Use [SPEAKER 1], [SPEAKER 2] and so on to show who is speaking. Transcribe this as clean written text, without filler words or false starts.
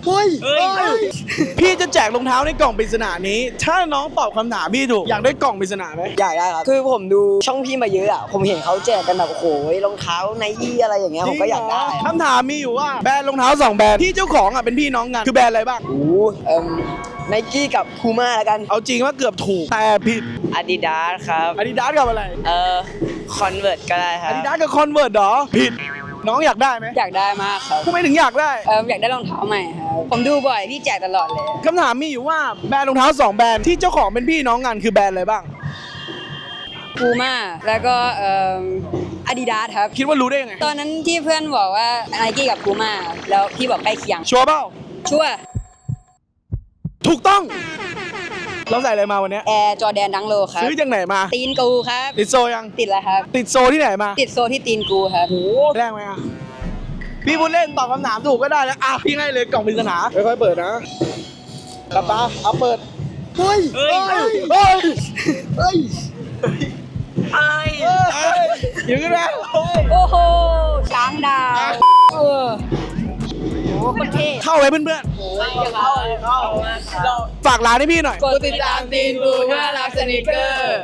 [SPEAKER 1] เฮ้ยพี่จะแจกรองเท้าในกล่องปริศนานี้ถ้าน้องตอบคำถามพี่ถูกอยากได้กล่องปริศนาไหม
[SPEAKER 2] อยากได้ครับคือผมดูช่องพี่มาเยอะอ่ะผมเห็นเขาแจกกันแบบโอ้โหรองเท้าไนกี้อะไรอย่างเงี้ยผมก็อยากได้
[SPEAKER 1] คำถามมีอยู่ว่าแบรนด์รองเท้า2แบรนด์ที่เจ้าของเป็นพี่น้องกันคือแบรนด์อะไรบ้าง
[SPEAKER 2] ไนกี้กับพูม่าแล้วกัน
[SPEAKER 1] เอาจริงว่าเกือบถูกแต่ผิด
[SPEAKER 3] Adidas ครับ
[SPEAKER 1] Adidas กับอะไร
[SPEAKER 3] Convert ก็ได้ครับ
[SPEAKER 1] Adidas กับ Converse เหรอผิดน้องอยากได้ไหม
[SPEAKER 2] อยากได้มากครับ
[SPEAKER 1] ทำไมถึงอยากได้
[SPEAKER 2] อยากได้รองเท้าใหม่ครับผมดูบ่อยพี่แจกตลอดเลย
[SPEAKER 1] คำถามมีอยู่ว่าแบรนด์รองเท้า2แบรนด์ที่เจ้าของเป็นพี่น้องกันคือแบรนด์อะไรบ้าง
[SPEAKER 2] พูม่าแล้วก็อาดิดาสครับ
[SPEAKER 1] คิดว่ารู้ได้ยังไง
[SPEAKER 2] ตอนนั้นที่เพื่อนบอกว่าไนกี้กับพูม่าแล้วพี่บอกใกล้เคียง
[SPEAKER 1] ชัวร์เปล่า
[SPEAKER 2] ชัวร์
[SPEAKER 1] ถูกต้องเราใส่อะไรมาวันเนี้ย
[SPEAKER 2] แอร์จอแดนดังโลครับ
[SPEAKER 1] ซื้อจากไหนมา
[SPEAKER 2] ตีนกูครับ
[SPEAKER 1] ติดโซยัง
[SPEAKER 2] ติดแล้วครับ
[SPEAKER 1] ติดโซที่ไหนมา
[SPEAKER 2] ติดโซที่ตีนกูครับ
[SPEAKER 1] โอ้แรงไหมอ่ะพี่พูดเล่นตอบคำถามถูกก็ได้แล้วอ่ะพี่ให้เลยกล่องปริศนาค่อยๆเปิดนะกลับตาเอาเปิดเฮ้ยเฮ้ยเฮ้ยเฮ้ยอยู่กันแล้ว
[SPEAKER 2] โอ้โหช้างดาวโอ้โหคนเท่
[SPEAKER 1] เข้าเลยเพื่อนๆฝากร้านให้พี่หน่อย
[SPEAKER 2] กดติดตามตีนกูเพื่อรับสนิเกอร์